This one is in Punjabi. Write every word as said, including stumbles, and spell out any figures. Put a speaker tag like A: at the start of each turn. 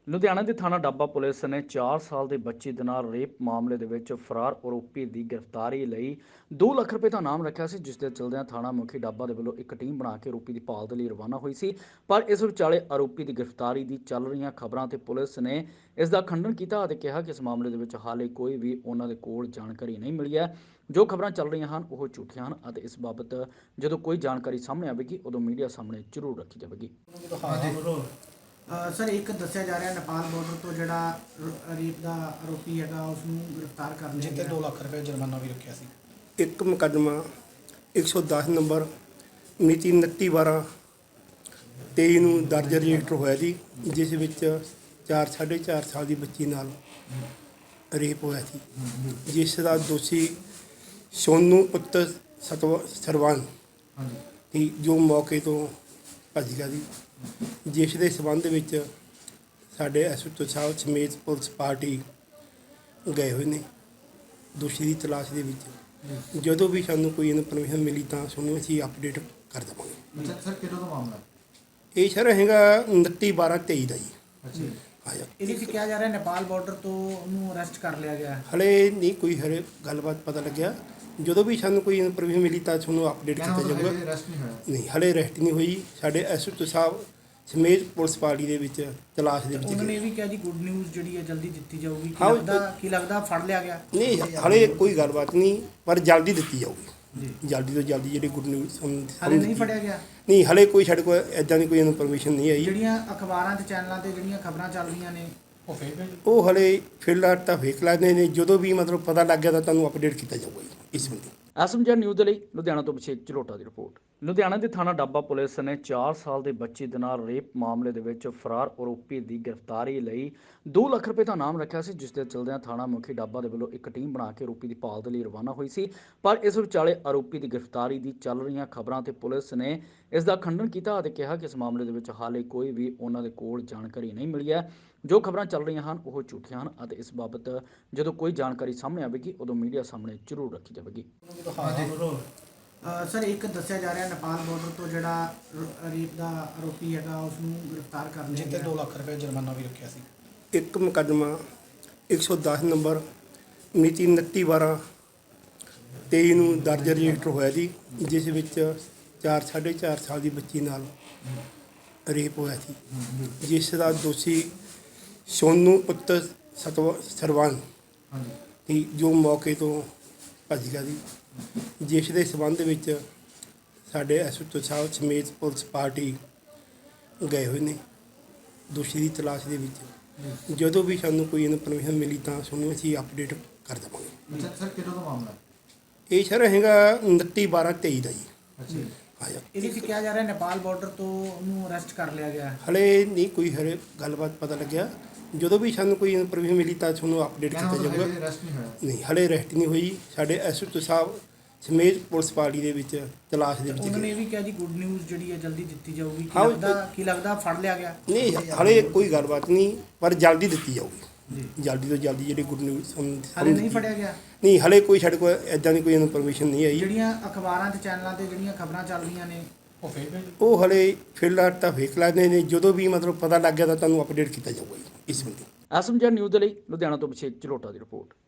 A: ਲੁਧਿਆਣਾ ਦੇ ਥਾਣਾ ਡੱਬਾ ਪੁਲਿਸ ਨੇ ਚਾਰ ਸਾਲ ਦੇ ਬੱਚੀ ਦੇ ਨਾਲ ਰੇਪ ਮਾਮਲੇ ਦੇ ਵਿੱਚ ਫਰਾਰ ਆਰੋਪੀ ਦੀ ਗ੍ਰਿਫਤਾਰੀ ਲਈ ਦੋ ਲੱਖ ਰੁਪਏ ਦਾ ਨਾਮ ਰੱਖਿਆ ਸੀ, ਜਿਸ ਦੇ ਚਲਦਿਆਂ ਥਾਣਾ ਮੁਖੀ ਡੱਬਾ ਦੇ ਵੱਲੋਂ ਇੱਕ ਟੀਮ ਬਣਾ ਕੇ ਆਰੋਪੀ ਦੀ ਭਾਲ ਦੇ ਲਈ ਰਵਾਨਾ ਹੋਈ ਸੀ। ਪਰ ਇਸ ਵਿਚਾਲੇ ਆਰੋਪੀ ਦੀ ਗ੍ਰਿਫਤਾਰੀ ਦੀ ਚੱਲ ਰਹੀਆਂ ਖਬਰਾਂ ਤੇ ਪੁਲਿਸ ਨੇ ਇਸ ਦਾ ਖੰਡਨ ਕੀਤਾ ਅਤੇ ਕਿਹਾ ਕਿ ਇਸ ਮਾਮਲੇ ਦੇ ਵਿੱਚ ਹਾਲੇ ਕੋਈ ਵੀ ਉਹਨਾਂ ਦੇ ਕੋਲ ਜਾਣਕਾਰੀ ਨਹੀਂ ਮਿਲੀ ਹੈ। ਜੋ ਖਬਰਾਂ ਚੱਲ ਰਹੀਆਂ ਹਨ ਉਹ ਝੂਠੀਆਂ ਹਨ ਅਤੇ ਇਸ ਬਾਬਤ ਜਦੋਂ ਕੋਈ ਜਾਣਕਾਰੀ ਸਾਹਮਣੇ ਆਵੇਗੀ ਉਦੋਂ ਮੀਡੀਆ ਸਾਹਮਣੇ ਜ਼ਰੂਰ ਰੱਖੀ ਜਾਵੇਗੀ।
B: ਸਰ ਇੱਕ ਦੱਸਿਆ ਜਾ ਰਿਹਾ ਨੇਪਾਲ ਬਾਰਡਰ ਤੋਂ ਜਿਹੜਾ ਰੇਪ ਦਾ ਆਰੋਪੀ ਹੈਗਾ ਉਸ ਨੂੰ ਗ੍ਰਿਫਤਾਰ ਕਰ ਲਿਆ
C: ਜਿੱਤੇ ਦੋ ਲੱਖ ਰੁਪਏ ਜੁਰਮਾਨਾ ਵੀ ਰੱਖਿਆ ਸੀ।
D: ਇੱਕ ਮੁਕੱਦਮਾ ਇੱਕ ਸੌ ਦਸ ਨੰਬਰ ਮਿਤੀ ਉਨੱਤੀ ਬਾਰਾਂ ਤੇਈ ਨੂੰ ਦਰਜ ਰਜਿਸਟਰ ਹੋਇਆ ਜੀ, ਜਿਸ ਵਿੱਚ ਚਾਰ ਸਾਢੇ ਚਾਰ ਸਾਲ ਦੀ ਬੱਚੀ ਨਾਲ ਰੇਪ ਹੋਇਆ ਸੀ, ਜਿਸ ਦਾ ਦੋਸ਼ੀ ਸੋਨੂ ਪੁੱਤਰ ਸਤਵ ਸਰਵਾਨ ਸੀ, ਜੋ ਮੌਕੇ ਤੋਂ ਭੱਜ ਗਿਆ ਜੀ। ਜਿਸ ਦੇ ਸੰਬੰਧ ਵਿੱਚ ਸਾਡੇ ਐਸ ਓ ਸਾਹਿਬ ਸਮੇਤ ਪੁਲਿਸ ਪਾਰਟੀ ਗਏ ਹੋਏ ਨੇ ਦੋਸ਼ੀ ਦੀ ਤਲਾਸ਼ ਦੇ ਵਿੱਚ। ਜਦੋਂ ਵੀ ਸਾਨੂੰ ਕੋਈ ਇਨਫੋਰਮੇਸ਼ਨ ਮਿਲੀ ਤਾਂ ਤੁਹਾਨੂੰ ਅਸੀਂ ਅਪਡੇਟ ਕਰ ਦੇਵਾਂਗੇ।
C: ਅੱਛਾ ਸਰ, ਕਿਹੜਾ ਦਾ ਮਾਮਲਾ?
D: ਇਹ ਸਰ ਹੈਗਾ ਉਨੱਤੀ ਬਾਰਾਂ ਤੇਈ ਦਾ ਜੀ।
C: ਅੱਛਾ,
D: ਆਇਆ
B: ਇਹਦੇ ਵਿੱਚ ਕਿਹਾ ਜਾ ਰਿਹਾ ਨੇਪਾਲ ਬਾਰਡਰ ਤੋਂ ਉਹਨੂੰ ਅਰੈਸਟ ਕਰ ਲਿਆ ਗਿਆ।
D: ਹਲੇ ਨਹੀਂ ਕੋਈ ਹਰੇ ਗੱਲਬਾਤ ਪਤਾ ਲੱਗਿਆ। ਜਦੋਂ ਵੀ ਸਾਨੂੰ ਕੋਈ ਇਨਫੋਰਮੇਸ਼ਨ ਮਿਲੀ ਤਾਂ ਤੁਹਾਨੂੰ ਅਪਡੇਟ ਕੀਤਾ ਜਾਊਗਾ।
C: ਅਰੈਸਟ ਨਹੀਂ ਹੋਇਆ?
D: ਨਹੀਂ, ਹਲੇ ਅਰੈਸਟ ਨਹੀਂ ਹੋਈ। ਸਾਡੇ ਐਸ ਓ ਸਾਹਿਬ ਸਮੇਤ ਪੁਲਿਸ ਪਾਰਟੀ ਦੇ ਵਿੱਚ ਤਲਾਸ਼ ਦੇ ਵਿੱਚ
B: ਉਹਨਾਂ ਨੇ
D: ਗਏ।
B: ਇਹ ਵੀ ਕਿਹਾ ਜੀ ਗੁੱਡ ਨਿਊਜ਼ ਜਿਹੜੀ ਹੈ ਜਲਦੀ ਦਿੱਤੀ ਜਾਊਗੀ। ਕੀ
D: ਹਾਂ,
B: ਲੱਗਦਾ ਕੀ ਲੱਗਦਾ ਫੜ ਲਿਆ ਗਿਆ?
D: ਨਹੀਂ, ਹਲੇ ਕੋਈ ਗੱਲਬਾਤ ਨਹੀਂ, ਪਰ ਜਲਦੀ ਦਿੱਤੀ ਜਾਊਗੀ।
B: ਜੀ
D: ਜਲਦੀ ਤੋਂ ਜਲਦੀ ਜਿਹੜੀ ਗੁੱਡ ਨਿਊਜ਼
B: ਹਾਲੇ ਨਹੀਂ ਫੜਿਆ ਗਿਆ।
D: ਨਹੀਂ, ਹਲੇ ਕੋਈ ਸਾਡੇ ਕੋਲ ਐਦਾਂ ਦੀ ਕੋਈ ਇਨਫੋਰਮੇਸ਼ਨ ਨਹੀਂ ਆਈ।
B: ਜਿਹੜੀਆਂ ਅਖਬਾਰਾਂ ਤੇ ਚੈਨਲਾਂ ਤੇ ਜਿਹੜੀਆਂ ਖਬਰਾਂ ਚੱਲ ਰਹੀਆਂ ਨੇ
C: ਉਹ ਫੇਕ ਹੈ ਜੀ?
D: ਉਹ ਹਲੇ ਫਿਲਹਾਲ ਤਾਂ ਵੇਖ ਲੈਂਦੇ ਨੇ, ਜਦੋਂ ਵੀ ਮਤਲਬ ਪਤਾ ਲੱਗ ਗਿਆ ਤਾਂ ਤੁਹਾਨੂੰ ਅਪਡੇਟ ਕੀਤਾ ਜਾਊਗਾ ਜੀ ਇਸ ਸੰਬੰਧੀ।
A: ਐਸਐਮਜੀ ਨਿਊਜ਼ ਦੇ ਲਈ ਲੁਧਿਆਣਾ ਤੋਂ ਅਭਿਸ਼ੇਕ ਝਲੋਟਾ ਦੀ ਰਿਪੋਰਟ। ਲੁਧਿਆਣਾ ਦੇ ਥਾਣਾ ਡੱਬਾ ਪੁਲਿਸ ਨੇ ਚਾਰ ਸਾਲ ਦੇ ਬੱਚੀ ਦੇ ਨਾਲ ਰੇਪ ਮਾਮਲੇ ਦੇ ਵਿੱਚ ਫਰਾਰ ਆਰੋਪੀ ਦੀ ਗ੍ਰਿਫਤਾਰੀ ਲਈ ਦੋ ਲੱਖ ਰੁਪਏ ਦਾ ਨਾਮ ਰੱਖਿਆ ਸੀ, ਜਿਸ ਦੇ ਚਲਦਿਆਂ ਥਾਣਾ ਮੁਖੀ ਡੱਬਾ ਦੇ ਵੱਲੋਂ ਇੱਕ ਟੀਮ ਬਣਾ ਕੇ ਆਰੋਪੀ ਦੀ ਭਾਲ ਦੇ ਲਈ ਰਵਾਨਾ ਹੋਈ ਸੀ। ਪਰ ਇਸ ਵਿਚਾਲੇ ਆਰੋਪੀ ਦੀ ਗ੍ਰਿਫਤਾਰੀ ਦੀ ਚੱਲ ਰਹੀਆਂ ਖਬਰਾਂ ਤੇ ਪੁਲਿਸ ਨੇ ਇਸ ਦਾ ਖੰਡਨ ਕੀਤਾ ਅਤੇ ਕਿਹਾ ਕਿ ਇਸ ਮਾਮਲੇ ਦੇ ਵਿੱਚ ਹਾਲੇ ਕੋਈ ਵੀ ਉਹਨਾਂ ਦੇ ਕੋਲ ਜਾਣਕਾਰੀ ਨਹੀਂ ਮਿਲੀ ਹੈ। ਜੋ ਖਬਰਾਂ ਚੱਲ ਰਹੀਆਂ ਹਨ ਉਹ ਝੂਠੀਆਂ ਹਨ ਅਤੇ ਇਸ ਬਾਬਤ ਜਦੋਂ ਕੋਈ ਜਾਣਕਾਰੀ ਸਾਹਮਣੇ ਆਵੇਗੀ ਉਦੋਂ ਮੀਡੀਆ ਸਾਹਮਣੇ ਜ਼ਰੂਰ ਰੱਖੀ ਜਾਵੇਗੀ।
B: ਸਰ ਇੱਕ ਦੱਸਿਆ ਜਾ ਰਿਹਾ ਨੇਪਾਲ ਬਾਰਡਰ ਤੋਂ ਜਿਹੜਾ ਰੇਪ ਦਾ ਆਰੋਪੀ ਹੈਗਾ ਉਸ ਨੂੰ ਗ੍ਰਿਫਤਾਰ ਕਰ ਲਿਆ
C: ਜਿੱਤੇ
B: ਗਿਆ।
C: ਦੋ ਲੱਖ ਰੁਪਏ ਜੁਰਮਾਨਾ ਵੀ ਰੱਖਿਆ ਸੀ।
D: ਇੱਕ ਮੁਕੱਦਮਾ ਇੱਕ ਸੌ ਦਸ ਨੰਬਰ ਮਿਤੀ ਉਨੱਤੀ ਬਾਰਾਂ ਤੇਈ ਨੂੰ ਦਰਜ ਰਜਿਸਟਰ ਹੋਇਆ ਜੀ, ਜਿਸ ਵਿੱਚ ਚਾਰ ਸਾਢੇ ਚਾਰ ਸਾਲ ਦੀ ਬੱਚੀ ਨਾਲ ਰੇਪ ਹੋਇਆ ਸੀ, ਜਿਸ ਦਾ ਦੋਸ਼ੀ ਸੋਨੂ ਪੁੱਤਰ ਸਤਵ ਸਰਵਾਨ ਸੀ, ਜੋ ਮੌਕੇ ਤੋਂ ਭੱਜ ਗਿਆ ਜੀ। ਜਿਸ ਦੇ ਸੰਬੰਧ ਵਿੱਚ ਸਾਡੇ ਐਸ ਓ ਸਾਹਿਬ ਸਮੇਤ ਪੁਲਿਸ ਪਾਰਟੀ ਗਏ ਹੋਏ ਨੇ ਦੋਸ਼ੀ ਦੀ ਤਲਾਸ਼ ਦੇ ਵਿੱਚ। ਜਦੋਂ ਵੀ ਸਾਨੂੰ ਕੋਈ ਇਨਫੋਰਮੇਸ਼ਨ ਮਿਲੀ ਤਾਂ ਤੁਹਾਨੂੰ ਅਸੀਂ ਅਪਡੇਟ ਕਰ ਦੇਵਾਂਗੇ।
C: ਅੱਛਾ ਸਰ, ਕਿਹੜਾ ਦਾ ਮਾਮਲਾ?
D: ਇਹ ਸਰ ਹੈਗਾ ਉਨੱਤੀ ਬਾਰਾਂ ਤੇਈ ਦਾ ਜੀ।
C: ਅੱਛਾ,
D: ਆਇਆ
B: ਇਹਦੇ ਵਿੱਚ ਕਿਹਾ ਜਾ ਰਿਹਾ ਨੇਪਾਲ ਬਾਰਡਰ ਤੋਂ ਉਹਨੂੰ ਅਰੈਸਟ ਕਰ ਲਿਆ ਗਿਆ।
D: ਹਲੇ ਨਹੀਂ ਕੋਈ ਹਰੇ ਗੱਲਬਾਤ ਪਤਾ ਲੱਗਿਆ। ਜਦੋਂ ਵੀ ਸਾਨੂੰ ਕੋਈ ਇਨਫੋਰਮੇਸ਼ਨ ਮਿਲੀ ਤਾਂ ਤੁਹਾਨੂੰ ਅਪਡੇਟ ਕੀਤਾ ਜਾਊਗਾ।
C: ਅਰੈਸਟ ਨਹੀਂ ਹੋਇਆ?
D: ਨਹੀਂ, ਹਲੇ ਅਰੈਸਟ ਨਹੀਂ ਹੋਈ। ਸਾਡੇ ਐਸ ਓ ਸਾਹਿਬ ਸਮੇਤ ਪੁਲਿਸ ਪਾਰਟੀ ਦੇ ਵਿੱਚ ਤਲਾਸ਼ ਦੇ ਵਿੱਚ
B: ਉਹਨਾਂ ਨੇ
D: ਗਏ।
B: ਇਹ ਵੀ ਕਿਹਾ ਜੀ ਗੁੱਡ ਨਿਊਜ਼ ਜਿਹੜੀ ਹੈ ਜਲਦੀ ਦਿੱਤੀ ਜਾਊਗੀ। ਕੀ
D: ਹਾਂ,
B: ਲੱਗਦਾ ਕੀ ਲੱਗਦਾ ਫੜ ਲਿਆ ਗਿਆ?
D: ਨਹੀਂ, ਹਲੇ ਕੋਈ ਗੱਲਬਾਤ ਨਹੀਂ, ਪਰ ਜਲਦੀ ਦਿੱਤੀ ਜਾਊਗੀ। ਜਲਦੀ ਤੋਂ ਜਲਦੀ ਜਿਹੜੀ ਗੁੱਡ ਨਿਊਜ਼
B: ਹਾਲੇ ਨਹੀਂ ਫੜਿਆ ਗਿਆ।
D: ਨਹੀਂ, ਹਲੇ ਕੋਈ ਸਾਡੇ ਕੋਲ ਐਦਾਂ ਦੀ ਕੋਈ ਇਨਫੋਰਮੇਸ਼ਨ ਨਹੀਂ ਆਈ।
B: ਜਿਹੜੀਆਂ ਅਖਬਾਰਾਂ ਤੇ ਚੈਨਲਾਂ ਤੇ ਜਿਹੜੀਆਂ ਖਬਰਾਂ ਚੱਲ ਰਹੀਆਂ ਨੇ
C: ਉਹ ਫੇਕ ਹੈ ਜੀ?
D: ਉਹ ਹਲੇ ਫਿਲਹਾਲ ਤਾਂ ਵੇਖ ਲੈਂਦੇ ਨੇ, ਜਦੋਂ ਵੀ ਮਤਲਬ ਪਤਾ ਲੱਗ ਗਿਆ ਤਾਂ ਤੁਹਾਨੂੰ ਅਪਡੇਟ ਕੀਤਾ ਜਾਊਗਾ ਜੀ ਇਸ ਸੰਬੰਧੀ।
A: ਐਸਐਮਜੀ ਨਿਊਜ਼ ਦੇ ਲਈ ਲੁਧਿਆਣਾ ਤੋਂ ਅਭਿਸ਼ੇਕ ਝਲੋਟਾ ਦੀ ਰਿਪੋਰਟ।